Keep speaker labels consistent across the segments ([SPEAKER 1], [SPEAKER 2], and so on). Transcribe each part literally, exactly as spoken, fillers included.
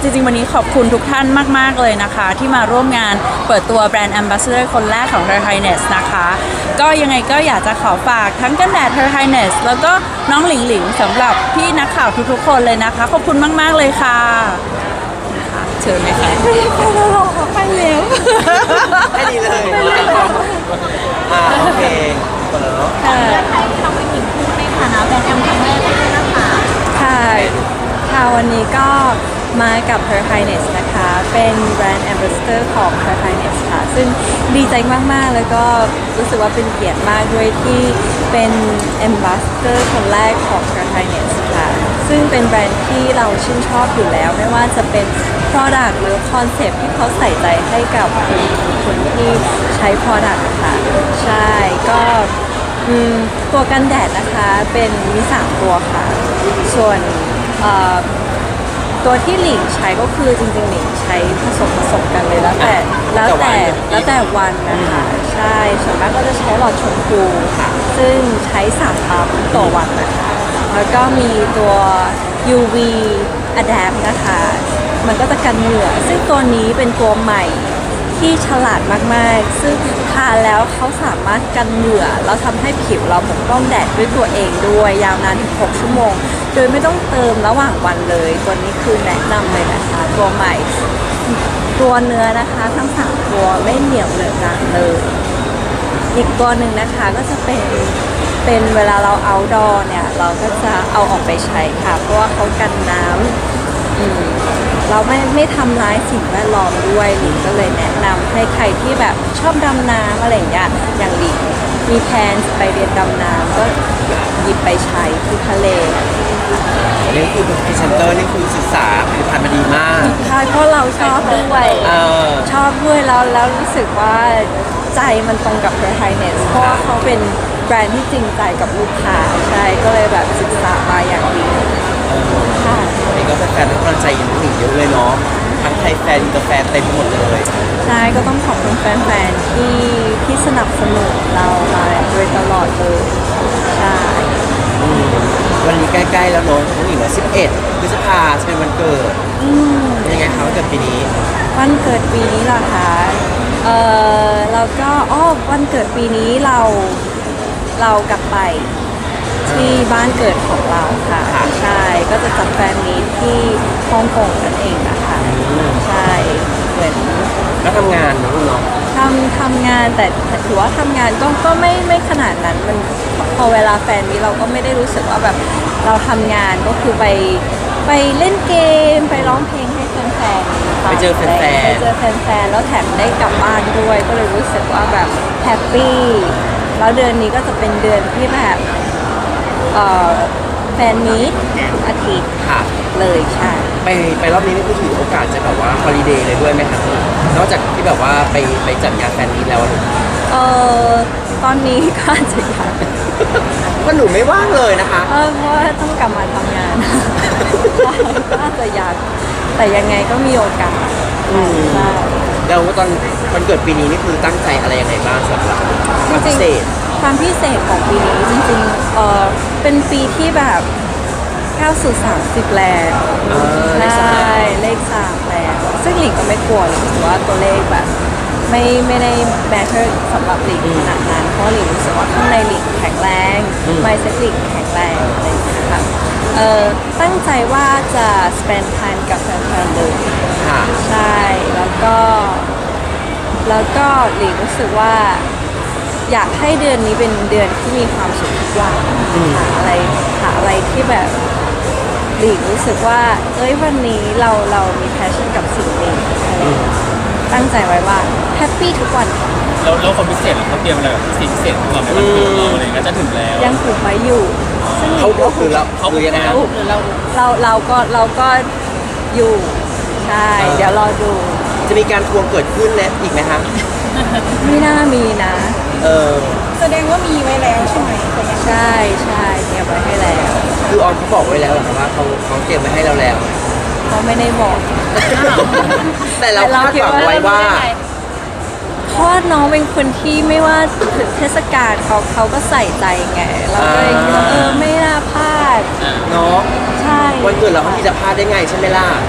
[SPEAKER 1] ริงๆวันนี้ขอบคุณทุกท่านมากๆเลยนะคะที่มาร่วมงานเปิดตัวแบรนด์ Ambassador คนแรกของ Her Highness นะคะก็ยังไงก็อยากจะขอฝากทั้งกันแดด Her Highness แล้วก็น้องหลิงหลิงสำหรับพี่นักข่าวทุกๆคนเลยนะคะขอบคุณมากๆเลยค่ะเชิญเลยค่ะไปแล้วหรอไปแล้ว
[SPEAKER 2] ให้ดีเลยอ่าโอเคหมดแล้วเนาะ
[SPEAKER 1] ค่ะ
[SPEAKER 3] เราไปถึงคู่ในฐานะแบรนด์แอมครั้งแรกด้วยนะคะ
[SPEAKER 1] ค่ะค่ะวันนี้ก็มากับ Her Highness นะคะเป็นแบรนด์ Ambassador ของ Her Highness ค่ะซึ่งดีใจมากๆแล้วก็รู้สึกว่าเป็นเกียรติมากด้วยที่เป็น Ambassador คนแรกของ Her Highness ค่ะซึ่งเป็นแบรนด์ที่เราชื่นชอบอยู่แล้วไม่ว่าจะเป็น Product หรือ Concept ที่เขาใส่ใจให้กับคนที่ใช้ Product ค่ะใช่ก็อืมตัวกันแดดนะคะเป็นมีสามตัวค่ะส่วนเอ่อตัวที่หลิงใช้ก็คือจริงๆหลิงใช้ผสมผสมกันเลยแล้วแต่แล้วแต่แล้วแต่วันนะคะใช่ส่วนมากก็จะใช้หลอดชมพูค่ะซึ่งใช้สามปั๊มต่อวันนะคะแล้วก็มีตัว ยู วี Adapt นะคะมันก็จะกันเหงื่อซึ่งตัวนี้เป็นตัวใหม่ที่ฉลาดมากๆซึ่งทาแล้วเขาสามารถกันเหงื่อแล้วทำให้ผิวเราปกป้องแดดด้วยตัวเองด้วยยาวนานถึงหกชั่วโมงโดยไม่ต้องเติมระหว่างวันเลยตัวนี้คือแนะนำเลยนะคะตัวใหม่ตัวเนื้อนะคะทั้งสามตัวไม่เหนียวเหนอะหนะเลยอีกตัวหนึ่งนะคะก็จะเป็นเป็นเวลาเราเอาดอเนี่ยเราก็จะเอาออกไปใช้ค่ะเพราะว่าเขากันน้ำอืมเราไม่ไม่ทำร้ายสิ่งแวดล้อมด้วยหลิงก็เลยแนะนำให้ใครที่แบบชอบดำน้ำอะไรอย่างเงี้ยอย่างหลิงมีแพลนไปเรียนดำน้ำก็หยิบไปใช้ที่ทะเล
[SPEAKER 2] นี่คือเป็นพรีเซนเตอร์นี่คือศึกษาผลิตภัณฑ์มาดีมาก
[SPEAKER 1] ใช่เพราะเราชอบด้วย
[SPEAKER 2] เออ
[SPEAKER 1] ชอบด้วยแล้วแล้วรู้สึกว่าใจมันตรงกับ Her Highness เพราะว่าเขาเป็นแบรนด์ที่จริงใจกับลูกค้าใช่ก็เลยแบบศึกษามาอย่างดีค่ะ
[SPEAKER 2] นี่ก็แฟนๆให้กำลังใจอย่างหนึ่งเยอะเลยเนาะทั้งไทยแฟนอินเตอร์แฟนเต็มหมดเลย
[SPEAKER 1] ใช่ก็ต้องขอบคุณแฟนๆที่ที่สนับสนุนเรามาโดยตลอดเลยใช่
[SPEAKER 2] อืมวันนี้ใกล้ๆแล้วเนาะน้องหญิงว่าสิบเอ็ดพฤษภาจะเป็นวันเกิด
[SPEAKER 1] อืม
[SPEAKER 2] เป็นยังไงคะวันเกิดปีนี้
[SPEAKER 1] วันเกิดปีนี้เหรอคะเออแล้วก็อ๋อวันเกิดปีนี้เราเรากลับไปที่บ้านเกิดของเราค่ะ
[SPEAKER 2] ค่ะ
[SPEAKER 1] ใช่ก็จะจัดแฟนมีตที่ฮ่องกงนั่นเองนะคะใช่เหมือน
[SPEAKER 2] แล้วทำงานเนาะลูกเนาะ
[SPEAKER 1] ทำทำงานแต่แต่ถือว่าทำงานก็ก็ไม่ไม่ขนาดนั้นมันพอเวลาแฟนมีเราก็ไม่ได้รู้สึกว่าแบบเราทำงานก็คือไปไปเล่นเกมไปร้องเพลงให้แฟนๆฟัง
[SPEAKER 2] ไปเจอแฟนๆ
[SPEAKER 1] ไปเจอแฟนๆแล้วแถมได้กลับบ้านด้วย ก็เลยรู้สึกว่าแบบแฮปปี้แล้วเดือนนี้ก็จะเป็นเดือนที่แบบเอ่อแฟนมีตทุกอาทิตย์
[SPEAKER 2] ค่ะ
[SPEAKER 1] เลยใช่
[SPEAKER 2] ไปไปรอบนี้นี่คือถือโอกาสจะแบบว่าฮอลิเดย์เลยด้วยไหมคะนอกจากที่แบบว่าไปไปจัดงานแฟนมีตแล้วอะลูก
[SPEAKER 1] เออตอนนี้ก็อาจจะอยาก
[SPEAKER 2] ว่าหนูไม่ว่างเลยนะคะ
[SPEAKER 1] เออเพราะว่าต้องกลับมาทำงาน ใช่ก็อาจจะอยากแต่ยังไงก็มีโอกาส
[SPEAKER 2] อืม
[SPEAKER 1] ใช่
[SPEAKER 2] แล้วตอนวันเกิดปีนี้นี่คือตั้งใจอะไรยังไงบ้างสำหรับความพิเศษ
[SPEAKER 1] ความพิเศษของปีนี้จริงๆเออเป็นปีที่แบบก้าวสู่สามสิบแล้ว
[SPEAKER 2] เออเลขสาม
[SPEAKER 1] ใช่เลขสามแล้วซึ่งหลิงก็ไม่กลัวหรอกถือว่าตัวเลขแบบไม่ไม่ได้แมทเทอร์สำหรับหลิงขนาดนั้นเพราะหลิงรู้สึกว่าข้างในหลิงแข็งแรงไมเซ็ตหลิงแข็งแรงอะไรอย่างเงี้ยค่ะเออตั้งใจว่าจะ spend time กับแฟนๆเลย
[SPEAKER 2] ค่ะ
[SPEAKER 1] ใช่แล้วก็แล้วก็หลิงรู้สึกว่าอยากให้เดือนนี้เป็นเดือนที่มีความสุขทุกวัน
[SPEAKER 2] อืม
[SPEAKER 1] หาอะไรหาอะไรที่แบบหลิงรู้สึกว่าเอ้ยวันนี้เราเรามีแพชชั่นกับสิ่งนี้อะไรอย่างเงี้ยตั้งใจไว้ว่าแฮปปี้ทุกวัน
[SPEAKER 4] แล้วแล้วคนพิเศษเหรอเขาเตรียมอะไรแบบพิเศษพิเศษของเราในวันเกิดเราอะไรอย่างเงี้ยจะถึงแล้ว
[SPEAKER 1] ยังผูกไว้อยู่ซึ่งหลิ
[SPEAKER 2] เขา
[SPEAKER 1] งก็
[SPEAKER 2] คือเราเขาคือยังไง
[SPEAKER 1] ผูกเราเราเราก็เราก็อยู่ใช่เดี๋ยวรอดู
[SPEAKER 2] จะมีการทวงเกิดขึ้นแล้วอีกไหมคะ
[SPEAKER 1] ไม่น่ามีนะ
[SPEAKER 2] เออ
[SPEAKER 3] แสดงว่ามีไว้แล้วใช่ไหมแต่ยัง
[SPEAKER 1] ใช่ใช่เตรียมไว้ให้แล้ว
[SPEAKER 2] คือออนเขาบอกไว้แล้วเหรอคะว่าเขาเขาเตรียมไว้ให้เราแล้ว
[SPEAKER 1] เขาไม่ได้บอก
[SPEAKER 2] แต่เราคาดหวังไว้ว่า
[SPEAKER 1] เพราะว่าน้องเป็นคนที่ไม่ว่าถึงเทศกาลเขาเขาก็ใส่ใจไงเราก็เลยคิดว่าเออไม่น่าพลาด
[SPEAKER 2] เนาะ
[SPEAKER 1] ใช่
[SPEAKER 2] วันเกิดเราเขาที่จะพลาดได้ไงใช่ไหมล่ะ
[SPEAKER 1] ใ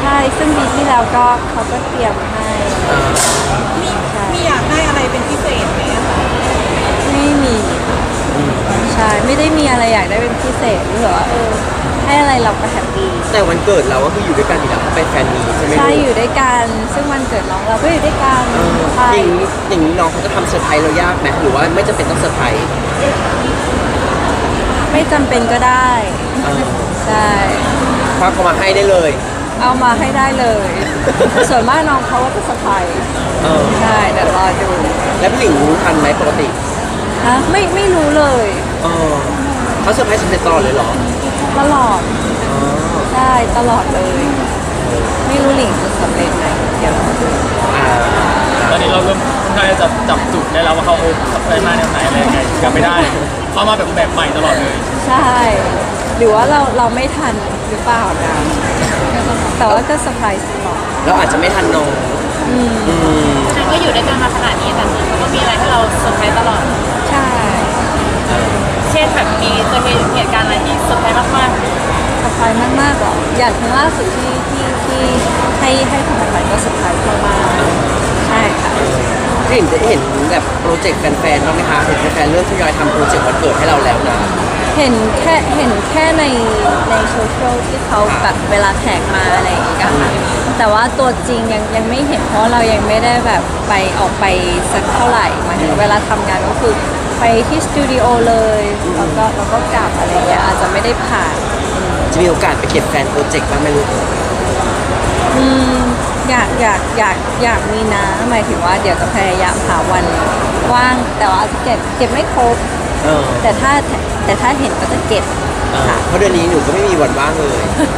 [SPEAKER 1] ใช่ซึ่งปีที่แล้วก็เขาก็เตรียมให้
[SPEAKER 2] อ่า
[SPEAKER 3] มีมีอยากได้อะไรเป็นพิเศษไหมอะคะ
[SPEAKER 1] ไม่มีใช่ไม่ได้มีอะไรอยากได้เป็นพิเศษหรือว่าเออให้อะไรเราก็แฮปปี้
[SPEAKER 2] แต่วันเกิดเราก็คืออยู่ด้วยกันอยู่แล้วเขาไปแฟนมีตใช่ไหม
[SPEAKER 1] ใช่
[SPEAKER 2] ลูก
[SPEAKER 1] อยู่ด้วยกันซึ่งวันเกิดน้องเราก็อยู่ด้วยกัน
[SPEAKER 2] เออ
[SPEAKER 1] ใช่
[SPEAKER 2] อย่างนี้อย่างนี้น้องเขาจะทำเซอร์ไพรส์เรายากไหมหรือว่าไม่จำเป็นต้องเซอร์ไพรส์
[SPEAKER 1] ไม่จำเป็นก็ได้
[SPEAKER 2] เออ
[SPEAKER 1] ใช่
[SPEAKER 2] ควักเขามาให้ได้เลย
[SPEAKER 1] เอามาให้ได้เลย ส่วนมากน้องเขาก็จะสะพาย
[SPEAKER 2] เออ
[SPEAKER 1] ใช่เดี๋ยวรอดู
[SPEAKER 2] แล้วพี่หลิงรู้ทันไหมปกติ
[SPEAKER 1] ฮะไม่ไม่รู้เลย
[SPEAKER 2] เออเขาเซอร์ไพรส์สำเร็จตลอดเลยเหรอ
[SPEAKER 1] ตลอด
[SPEAKER 2] อ๋อ
[SPEAKER 1] ใช่ตลอดเลย ไม่รู้หลิงจะสำเร็จไหมเดี๋ยวรอดู
[SPEAKER 2] อ่า
[SPEAKER 4] ตอนนี้เราเริ่มค่อนข้างจะจับจุดได้แล้วว่าเขาเออเขาไปมาแนวไหนอะไรยังไงกลับไม่ได้เขามาแบบแบบใหม่ตลอดเลย
[SPEAKER 1] ใช่ หรือว่าเราเราไม่ทันหรือเปล่านะแต่ว่าก็เซอร์ไพรส์ตลอด
[SPEAKER 2] เราอาจจะไม่ทันน้อง
[SPEAKER 1] อืม
[SPEAKER 2] อืม
[SPEAKER 3] ฉันก็อยู่ด้วยกันมาขนาดนี้แต่เขาก็มีอะไรให้เราเซอร์ไพรส์ตลอด
[SPEAKER 1] ใช่
[SPEAKER 3] เช่นแบบมีเคยเห็นเหตุการณ์อะไรที่เซอร์ไพรส์มาก
[SPEAKER 1] เซอร์ไพรส์มากๆหรออย่างครั้งล่าสุดที่ที่ที่ให้ให้ของขวัญก็เซอร์ไพรส์มากๆใช่ค่ะ
[SPEAKER 2] พี่หลิงจะเห็นแบบโปรเจกต์แฟนๆบ้างไหมคะเห็นแฟนๆเริ่มทยอยทำโปรเจกต์วันเกิดให้เราแล้วนะ
[SPEAKER 1] เห็นแค่เห็นแค่ในในโซเชียลที่เขาแบบเวลาแท็กมาอะไรอย่างเงี้ยค่ะแต่ว่าตัวจริงยังยังไม่เห็นเพราะเรายังไม่ได้แบบไปออกไปสักเท่าไหร่หมายถึงเวลาทำงานก็คือไปที่สตูดิโอเลยแล้วก็แล้วก็กลับอะไรเงี้ยอาจจะไม่ได้ผ่าน
[SPEAKER 2] จะมีโอกาสไปเก็บแฟนโปรเจกต์บ้างไหมลูก
[SPEAKER 1] อืมอยากอยากอยากอยากมีนะหมายถึงว่าเดี๋ยวจะพยายามหาวันว่างแต่ว่าเก็บเก็บไม่ครบ
[SPEAKER 2] เออ
[SPEAKER 1] แต่ถ้าแต่ถ้าเห็นก็จะเก็บ
[SPEAKER 2] เออเพราะเดือนนี้หนูก็ไม่มีวันว่างเลย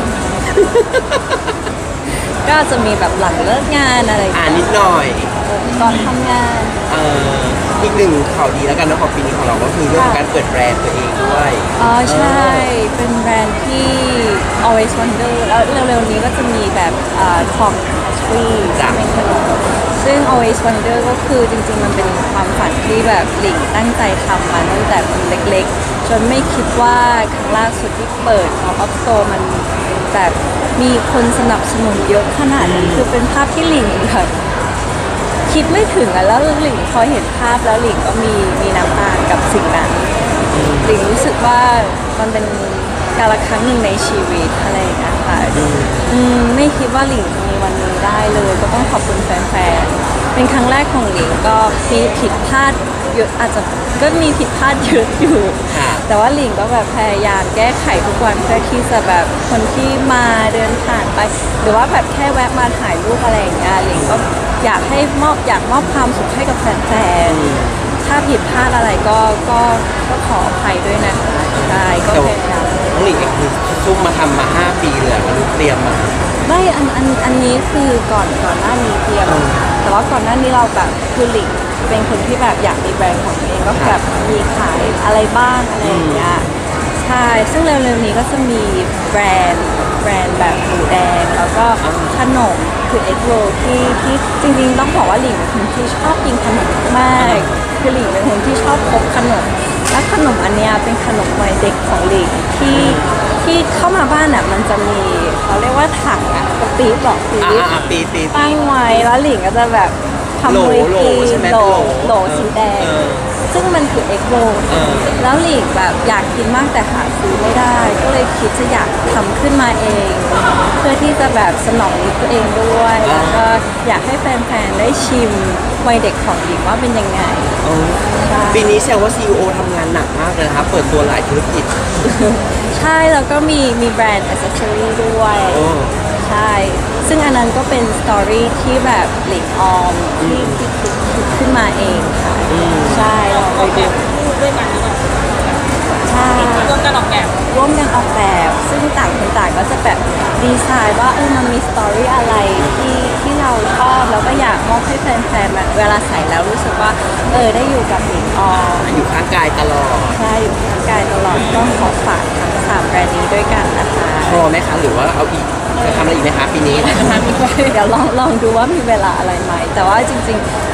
[SPEAKER 1] ก็อาจจะมีแบบหลังเลิกงานอะไรอย่าง
[SPEAKER 2] อ่า
[SPEAKER 1] เงี้ย
[SPEAKER 2] นิดหน่อย
[SPEAKER 1] ก่อนทำงาน
[SPEAKER 2] เอ่ออีกหนึ่งข่าวดีแล้วกันนะของปีนี้ของเราก็คือเรื่องของการเปิดแบรนด์ตัวเองด้วย
[SPEAKER 1] อ๋อใช่ เป็นแบรนด์ที่ always wonder แล้วเร็วๆนี้ก็จะมีแบบอ่าของ pastry
[SPEAKER 2] จ้ะ
[SPEAKER 1] เป็นขนมซึ่ง always wonder ก็คือจริงๆ มันเป็นความฝันที่แบบหลิงตั้งใจทำมาตั้งแต่เป็นเล็กๆ จนไม่คิดว่าครั้งล่าสุดที่เปิด pop up store มันแบบมีคนสนับสนุนเยอะขนาดนี้คือเป็นภาพที่หลิงแบบคิดไม่ถึงอะแล้วหลิงพอเห็นภาพแล้วหลิงก็มีมีน้ำตากับสิ่งนั้น หลิงรู้สึกว่ามันเป็นการละครั้งหนึ่งในชีวิตอะไรอย่างเงี้ยค่ะอืมไม่คิดว่าหลิงจะมีวันนี้ได้เลย ก็ต้องขอบคุณแฟนๆ เป็นครั้งแรกของหลิงก็มีผิดพลาดเยอะอาจจะก็มีผิดพลาดเยอะอยู่
[SPEAKER 2] ค่ะ
[SPEAKER 1] แต่ว่าหลิงก็แบบพยายามแก้ไขทุกวันเพื่อที่จะแบบคนที่มาเดินผ่านไป หรือว่าแบบแค่แวะมาถ่ายรูปอะไรอย่างเงี้ยหลิงก็อยากให้มอบอยากมอบความสุขให้กับแฟนๆ ถ้าผิดพลาดอะไรก็ก็ก็ขออภัยด้วยนะคะใช่ก็
[SPEAKER 2] แต่
[SPEAKER 1] พ
[SPEAKER 2] ว่าย
[SPEAKER 1] ายาม
[SPEAKER 2] น้องหลิงเองคือซุ่มมาทำมาห้าปีเลยอะมันเตรียมมา
[SPEAKER 1] ไม่อันอันอันนี้คือก่อนก่อนหน้านี้เตรียม
[SPEAKER 2] อืม
[SPEAKER 1] แต่ว่าก่อนหน้านี้เราแบบคือหลิงเป็นคนที่แบบอยากมีแบรนด์ของตัวเองก็แบบมีขายอะไรบ้างอะไรอย่างเงี้ยใช่ซึ่งเร็วๆนี้ก็จะมีแบรนด์แบรนด์แบบหมูแดงแล้วก็ขนมคือเอ็กโรที่ที่จริงๆต้องบอกว่าหลิงเป็นคนที่ชอบกินขนมมากคือหลิงเป็นคนที่ชอบพกขนม และขนมอันเนี้ยเป็นขนมวัยเด็กของหลิงที่ที่เข้ามาบ้านอ่ะมันจะมีเขาเรียกว่าถังอ่ะกระปี๊บหรอกปี๊
[SPEAKER 2] อ่า
[SPEAKER 1] บ
[SPEAKER 2] อ่าปีปีปี
[SPEAKER 1] ตั้งไว้แล้วหลิงก็จะแบบทำ
[SPEAKER 2] โหล
[SPEAKER 1] มือ
[SPEAKER 2] โหล
[SPEAKER 1] กิน
[SPEAKER 2] ใช่ไหม
[SPEAKER 1] โหล
[SPEAKER 2] เป็นโหล
[SPEAKER 1] โหลสีแดง
[SPEAKER 2] เออ
[SPEAKER 1] ซึ่งมันคือเอ็กโร
[SPEAKER 2] เออ
[SPEAKER 1] แล้วหลิงแบบอยากกินมากแต่หาซื้อไม่ได้ ก็เลยคิดจะอยากทำขึ้นมาเอง เพื่อที่จะแบบสนองนิดตัวเองด้วยแล้วก็อยากให้แฟนๆได้ชิมวัยเด็กของหลิงว่าเป็นยังไง
[SPEAKER 2] เออ
[SPEAKER 1] ใช่
[SPEAKER 2] ปีนี้แซวว่า ซี อี โอ ทำงานหนักมากเลยนะครับ เปิดตัวหลายธุรกิจ
[SPEAKER 1] ใช่แล้วก็มีมีแบรนด์อ c เซสซอรี่ด้วย
[SPEAKER 2] โอ้
[SPEAKER 1] ใช่ ซึ่งอันนั้นก็เป็นสตอรี่ที่แบบหลิงออมที่ที่คิดคิดขึ้นมาเองค่ะ ใช่เราไปดู
[SPEAKER 3] พูดด้วยกันหรือเปล่า
[SPEAKER 1] ใช่
[SPEAKER 3] ร่วมกันออกแบบ
[SPEAKER 1] ร่วมกันออกแบบ ซึ่งต่างคนต่างก็จะแบบดีไซน์ว่าเออมันมีสตอรี่อะไรที่ที่เราชอบแล้วก็อยากมอบให้แฟนๆแบบเวลาใส่แล้วรู้สึกว่าเออได้อยู่กับหลิงออม
[SPEAKER 2] อยู่ข้างกายตลอด
[SPEAKER 1] ใช่อยู่ข้างกายตลอดก็ขอฝากทั้งสามแบรนด์นี้ด้วยกันนะคะ
[SPEAKER 2] พอไหมคะ หรือว่าเอาอีก จะทำอะไรอีกไหมคะปีนี้
[SPEAKER 1] เดี๋ยวลองลองดูว่ามีเวลาอะไรไหม แต่ว่าจริงๆ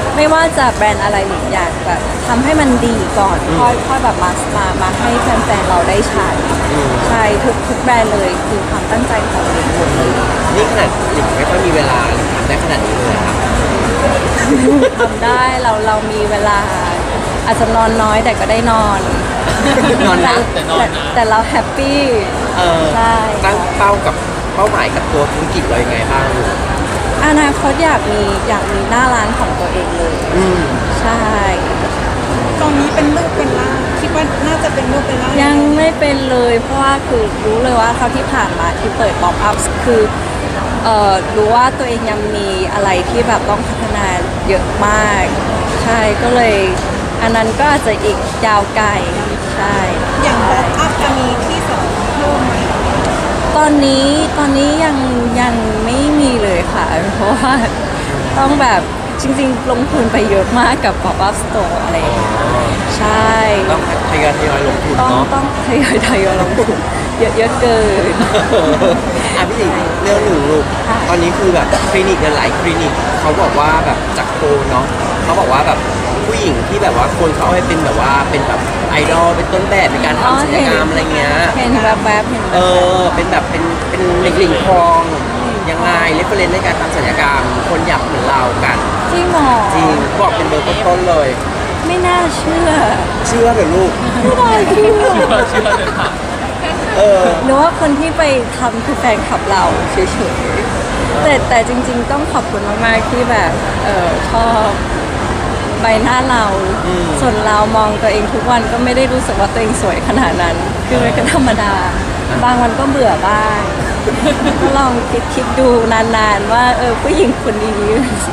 [SPEAKER 1] ไม่ว่าจะแบรนด์อะไรหลิงอยากแบบทำให้มันดีก่อนค่อยค่อยแบบมามามาให้แฟนๆเราได้ใช้ใช่ทุกทุกแบรนด์เลยคือความตั้งใจของหลิงหมดเลย
[SPEAKER 2] นี่ขนาดหลิงไม่ค่อยมีเวลาหลิงทำได้ขนาดนี้เลยครับ
[SPEAKER 1] ทำได้เราเรามีเวลา อาจจะนอนน้อยแต่ก็ได้นอน
[SPEAKER 2] นอนนะ
[SPEAKER 4] แต่นอนนะ
[SPEAKER 1] แต่เราแฮปปี้
[SPEAKER 2] เออ
[SPEAKER 1] ใช่
[SPEAKER 2] ตั้งเป้ากับเป้าหมายกับตัวธุรกิจเรายังไงบ้างลูก
[SPEAKER 1] อนาคตอยากมีอยากมีหน้าร้านของตัวเองเลย
[SPEAKER 2] อืม
[SPEAKER 1] ใช่
[SPEAKER 5] ตอนนี้เป็นลูกเป็นล่างคิดว่าน่าจะเป็นลูกเป็นล่าง
[SPEAKER 1] ยังไม่เป็นเลยเพราะว่าคือรู้เลยว่าเท่าที่ผ่านมาที่เปิดป๊อปอัพคือเอ่อรู้ว่าตัวเองยังมีอะไรที่แบบต้องพัฒนาเยอะมาก ใช่ก็เลยอันนั้นก็อาจจะอีกยาวไกลใช่
[SPEAKER 5] อย่างป๊อปอัพจะมีที่สองเพิ่มไหม
[SPEAKER 1] ตอนนี้ตอนนี้ยังยังไม่มีเลยค่ะ เพราะว่าต้องแบบจริงๆ ลงทุนไปเยอะมากกับ pop up store อะไรอย่างเงี้ยใช่
[SPEAKER 2] ต้องทยอยทยอยลงทุน
[SPEAKER 1] ต้อง
[SPEAKER 2] เนาะ
[SPEAKER 1] ต้องทยอยทยอยลงทุนเยอะเยอะเกิน
[SPEAKER 2] อ่ะพี่หลิงเรื่องหนึ่งลูก
[SPEAKER 1] ค่ะ
[SPEAKER 2] ตอนนี้คือแบบคลินิกหลายคลินิกเขาบอกว่าแบบจากโพลเนาะเขาบอกว่าแบบผู้หญิงที่แบบว่าคนเขาเอาไปเป็นแบบว่าเป็นแบบไอดอลเป็นต้นแบบในการทำศัลยกรรมอะไรเงี้ย
[SPEAKER 1] เห็นแบบแบบๆเห็น
[SPEAKER 2] เอ
[SPEAKER 1] แบบ
[SPEAKER 2] อ เป็นแบบเป็นเป็นเด็กหลิงทองยังไงเรฟเฟรนในการทำศัลยกรรม คนอยากเหมือนเรากัน
[SPEAKER 1] จริงเหรอ
[SPEAKER 2] จริงเขาบอกเป็นเบอร์ต้นๆเลย
[SPEAKER 1] ไม่น่าเชื่อ
[SPEAKER 2] เชื่อเถอะลูก
[SPEAKER 1] ไม่น่าเชื่อ
[SPEAKER 4] เชื่อเชื่อเลยค่ะ
[SPEAKER 2] เออ
[SPEAKER 1] หนูว่าคนที่ไปทำคือแฟนคลับเราเฉยๆแต่แต่จริงๆต้องขอบคุณมากๆที่แบบเออชอบใบหน้าเรา
[SPEAKER 2] อืม
[SPEAKER 1] ส่วนเรามองตัวเองทุกวันก็ไม่ได้รู้สึกว่าตัวเองสวยขนาดนั้น คือมันก็ธรรมดา บางวันก็เบื่อบ้าง ก็ลองคิดคิดดูนานๆว่าเออผู้หญิงคนนี้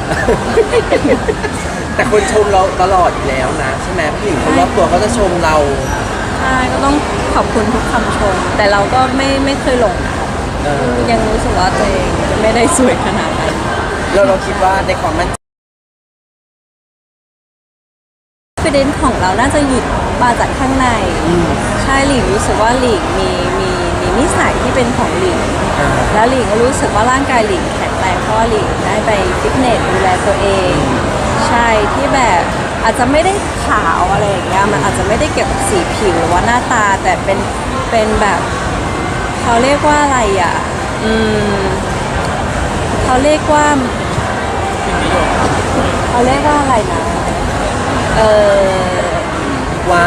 [SPEAKER 2] แต่คนชมเราตลอดอยู่แล้วนะ ใช่ไหมผู้หญิงคนรอบตัวเขาจะชมเรา
[SPEAKER 1] ใช่ก็ต้องขอบคุณทุกคำชม แต่เราก็ไม่ไม่เคยหลงนะ
[SPEAKER 2] เออ
[SPEAKER 1] ยังรู้สึกว่าตัวเองไม่ได้สวยขนาดนั้น
[SPEAKER 2] แล้วเราคิดว่าในความมั่นใจ
[SPEAKER 1] ประเด็นของเราน่าจะหยุดมาจากข้างใน ใช่หลิงรู้สึกว่าหลิงมีมีมีนิสัยที่เป็นของหลิง
[SPEAKER 2] อ่า
[SPEAKER 1] แล้วหลิงก็รู้สึกว่าร่างกายหลิงแข็งแรงเพราะว่าหลิงได้ไปฟิตเนสดูแลตัวเอง ใช่ที่แบบอาจจะไม่ได้ขาวอะไรอย่างเงี้ยมันอาจจะไม่ได้เกี่ยวกับสีผิวหรือว่าหน้าตาแต่เป็นเป็นแบบเขาเรียกว่าอะไรอ่ะอืมเขาเรียกว่าเขาเรียกว่าอะไรนะเออ
[SPEAKER 2] ว่า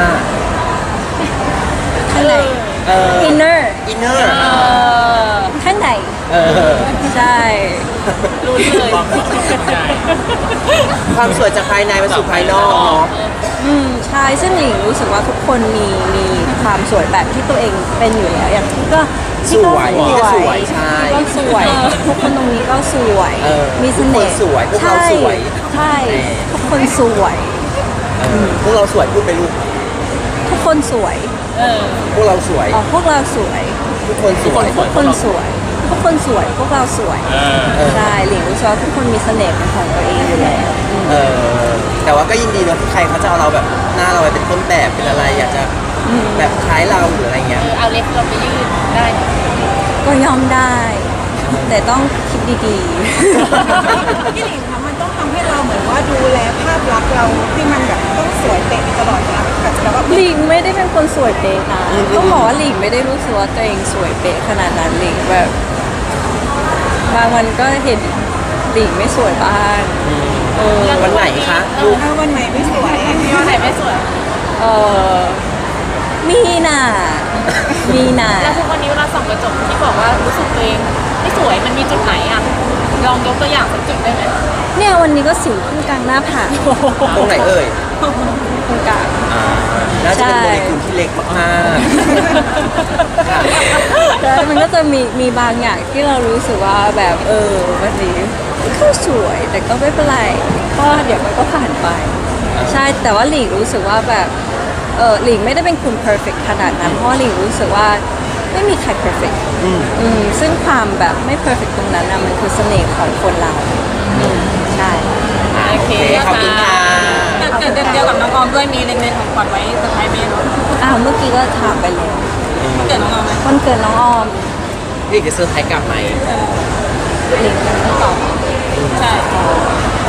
[SPEAKER 1] ข้างใน
[SPEAKER 2] เออ
[SPEAKER 1] inner
[SPEAKER 2] อินเนอร์
[SPEAKER 1] ข้างใน
[SPEAKER 2] เออ
[SPEAKER 1] ใช่
[SPEAKER 3] รู้เลย
[SPEAKER 4] ความสุขเป็นใหญ่
[SPEAKER 2] ความสวยจากภายในมาสู่ภายนอกเนาะ
[SPEAKER 1] อืมใช่ซึ่งหลิงรู้สึกว่าทุกคนมีมีความสวยแบบที่ตัวเองเป็นอยู่แล้วอย่างที่ก็ที่ก็
[SPEAKER 2] สวยที่ก็สวยใช่
[SPEAKER 1] ที่ก็สวย ทุกคนตรงนี้ก็สวย
[SPEAKER 2] เออ
[SPEAKER 1] มีเสน่ห์
[SPEAKER 2] ทุกคนสวยพวกเราสวย
[SPEAKER 1] ใช่ใช่ทุกคนสวย
[SPEAKER 2] เออพวกเราสวยพูดไปลูก
[SPEAKER 1] ทุกคนสวย
[SPEAKER 3] เออ
[SPEAKER 2] พวกเราสวย
[SPEAKER 1] อ๋อพวกเราสวย
[SPEAKER 2] ทุกคนสวย
[SPEAKER 1] ทุกคนสวย ทุกคนสวย พวกเราสวย
[SPEAKER 4] เออ
[SPEAKER 1] ใช่หลิงรู้สึกว่าทุกคนมีเสน่ห์เป็นของตัวเองอยู่แล้วอืม
[SPEAKER 2] เออแต่ว่าก็ยินดีเนอะที่ใครเขาจะเอาเราแบบหน้าเราไปเป็นต้นแบบเป็นอะไร อยากจะแบบคล้ายเราหรืออะไรเงี้ย
[SPEAKER 3] คือเอาเล็บเราไปยืดได้นะ
[SPEAKER 1] ก็ยอมได้ แต่ต้องคิดดี
[SPEAKER 5] พี่หลิงคะมันต้องทำให้เราเหมือนว่าดูแลภาพลักษณ์เราที่มันแบบต้องสวยเป๊ะตลอดนะกับแบบว่า
[SPEAKER 1] ๆหลิงไม่ได้เป็นคนสวยเป๊ะนะต้องบอกว่าหลิงไม่ได้รู้สึกว่าตัวเองสวยเป๊ะขนาดนั้นหลิงแบบบางวันก็เห็นหลิงไม่สวยบ้างเออ
[SPEAKER 2] วันไหนคะ
[SPEAKER 3] เอ
[SPEAKER 2] ลู
[SPEAKER 3] อก
[SPEAKER 5] ถ้าวันไหนไม่สวย
[SPEAKER 3] มีวันไหนไม่สวย
[SPEAKER 1] เออมีน่ะมีน่ะ
[SPEAKER 3] แล้วทุกวันนี้เวลาส่องกระจกที่บอกว่ารู้สึกตัวเองไม่สวยมันมีจุดไหนอ่ะลองยกตัวอย่างสักจุดได้ไหม
[SPEAKER 1] เนี่ยวันนี้ก็สิวขึ้นกลางหน้าผาก
[SPEAKER 2] ตรงไหนเอ่ย
[SPEAKER 1] ตรงกลาง
[SPEAKER 2] อ่าน่าจะเป็น
[SPEAKER 1] ใช่
[SPEAKER 2] โมเลกุลที่เล็กมากๆค่ะ
[SPEAKER 1] แล้วมันก็จะมีมีบางอย่างที่เรารู้สึกว่าแบบเออวันนี้ก็สวยแต่ก็ไม่เป็นไรเพราะว่าเดี๋ยวมันก็ผ่านไป ใช่แต่ว่าหลิงรู้สึกว่าแบบเออหลิงไม่ได้เป็นคน perfect ขนาดนั้น เพราะว่าหลิงรู้สึกว่าไม่มีใคร perfect
[SPEAKER 2] อืม
[SPEAKER 1] อืมซึ่งความแบบไม่ perfect ตรงนั้นนะมันคือเสน่ห์ของคนเราอืมใช่
[SPEAKER 2] อ่าโอเคขอบคุณค่ะ
[SPEAKER 3] แต่เดือนเดียวกับน้องออมด้วยมีเล็งๆของขวัญไว้เซอร์ไพรส์ไหมเนาะ
[SPEAKER 1] อ้าวเมื่อกี้ก็ถามไปแล้ว
[SPEAKER 3] เกิดน้องออมไหม
[SPEAKER 1] วันเกิดน้องออม
[SPEAKER 2] พี่จะเซอร์ไพรส์กลับไหม
[SPEAKER 1] หลิงไม่ตอบ
[SPEAKER 3] ใช่
[SPEAKER 1] เอาเลย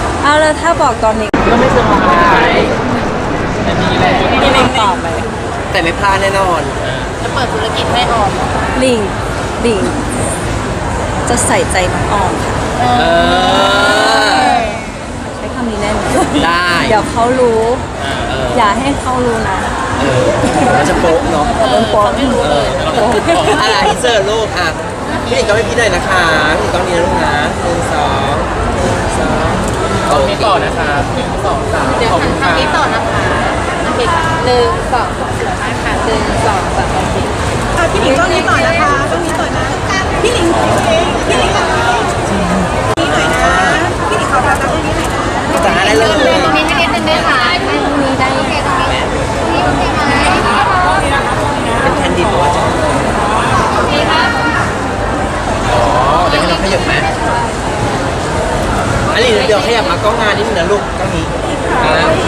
[SPEAKER 1] ถ้าบอกตอนนี้
[SPEAKER 4] ก็ไม่เซอร์ไพรส์แต่มีแหละ
[SPEAKER 1] พี่หลิงตอบไหม
[SPEAKER 2] แต่ไม่พลาดแน่นอน
[SPEAKER 3] จะเปิดธุรกิจให้ออม
[SPEAKER 1] หลิงหลิงจะใส่ใจน้องออมค่ะ
[SPEAKER 2] เออ
[SPEAKER 1] ใช้คำนี้แน่นอน
[SPEAKER 2] ได้
[SPEAKER 1] เดี๋ยวเขารู้
[SPEAKER 2] เออ
[SPEAKER 1] อย่าให้เขารู้นะ
[SPEAKER 2] เออมันจะโป๊ะเนาะ
[SPEAKER 1] โดนโป๊ะ
[SPEAKER 3] ไม่รู้เลย
[SPEAKER 2] อะไรอินเสิร์ตลูกอ่ะพี่หลิงก็ไม่พี่หน่อยนะคะพี่หลิงต้องนี้นะลูกนะหนึ่งสองหนึ่งสอง
[SPEAKER 4] ตรงนี้ต่อนะครับหนึ่งสองสาม
[SPEAKER 3] เดี๋ยว
[SPEAKER 4] ขอบ
[SPEAKER 3] หั
[SPEAKER 4] คุ
[SPEAKER 3] น
[SPEAKER 4] ณค
[SPEAKER 3] ทาง
[SPEAKER 4] รับ
[SPEAKER 3] นี้ต่อนะคะโอเคค่ะหนึ่งสองสวยมากค่ะหนึ่งสองสามโอเค
[SPEAKER 5] อ่ะพี่หลิงต้องนี้ต่อนะคะต้องนี้ต่อนะพี่หลิงพี่หลิงพี่หลิงนี่หน่อยนะพี่หลิงขอรับตรงนี้หน่อยนะ
[SPEAKER 2] จะหาได้เลย
[SPEAKER 3] ตรงนี้ให้นิดนึงได้ค่ะตรงนี้ได้โอเคตรงนี้ตรงนี้โอเคไหม
[SPEAKER 2] เป็นแคนดิดว่าจะ
[SPEAKER 3] โอเคค่ะ
[SPEAKER 2] อ๋อเดี๋ยวให้น้องขยับไหมอันนี้เดี๋ยวขยับมากล้องงานนิดนึงนะลูกกล้องนี้อ่าโอเค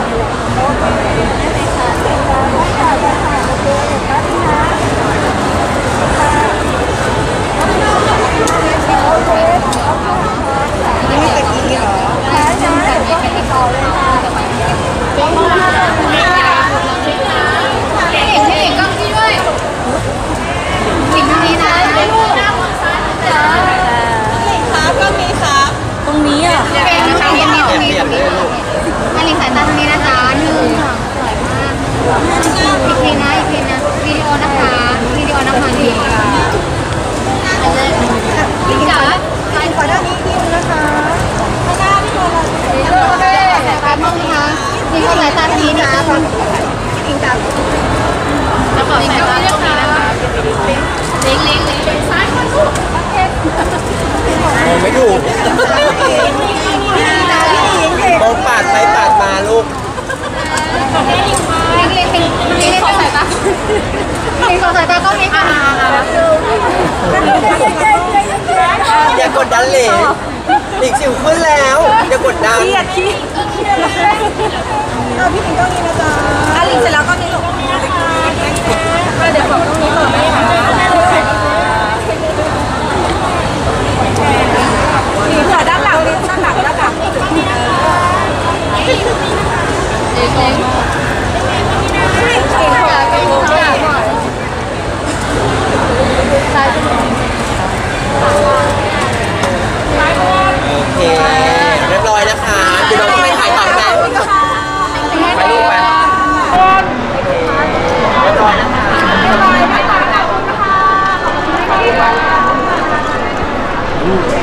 [SPEAKER 5] นี่ไม่ตะกี้เหรอ
[SPEAKER 3] พี่หลิงพี่หลิงกล้องพี่ด้วยหลิงตรงนี้นะลูกหน้ามองซ้ายนะจ๊ะ
[SPEAKER 5] ครับก็มีครับ
[SPEAKER 1] ตรงนี้อ่ะ
[SPEAKER 3] เก่งนะคะเก่ง
[SPEAKER 2] เปลี่ยน
[SPEAKER 3] ตรงนี้
[SPEAKER 2] เปลี่ยนเลยลูก
[SPEAKER 3] ให้หลิงสายตาตรงนี้นะจ๊ะหนึ่งสองสวยมากอีกทีนะอีกทีนะวิดีโอนะคะวิดีโอนะคะนี่อันเลยหลิงจ๋าสาย
[SPEAKER 5] ขอด้านนี้นิดนึงนะคะข้างหน้าพี่บอล
[SPEAKER 3] โอเคสายตาตรงนี้ค่ะหลิงสายตาตรงนี้นะ
[SPEAKER 5] พี่หลิงจับ
[SPEAKER 3] แล้วก็สายตาตรงนี้นะคะเล็งเล็งเล็งเป็นซ้ายคนลูกโอเค
[SPEAKER 2] มองไม่ถูก
[SPEAKER 5] พี่หลิงเด็ก
[SPEAKER 2] มองปาดไปปาดมาลูก
[SPEAKER 3] เล็งเล็งเล็งเล็งสายตาเล็งสายตากล้องนี้ค่ะ
[SPEAKER 2] อย่ากดดันเลยหลิงสิวขึ้นแล้ว อย่ากดดัน
[SPEAKER 5] เครียดขี้เอาพี่หลิงต้องนี้นะจ๊ะอ่ะหลิงเสร็จแล้วก็นี้หลงเดี๋ยวบอกตรงนี้ก่อนได้ไหมหลิงขอด้านหลังหลิงด้านหลังด้านหลัง
[SPEAKER 3] เล็งเล็ง
[SPEAKER 5] หลิงขอ
[SPEAKER 3] อยากเป็นผู้ใหญ่หน่อยซ้ายเป็น
[SPEAKER 2] โอเค เรียบร้อยนะคะคุณน้องไปถ่ายต่อไหมไปลูกไปเรียบร้อยนะคะ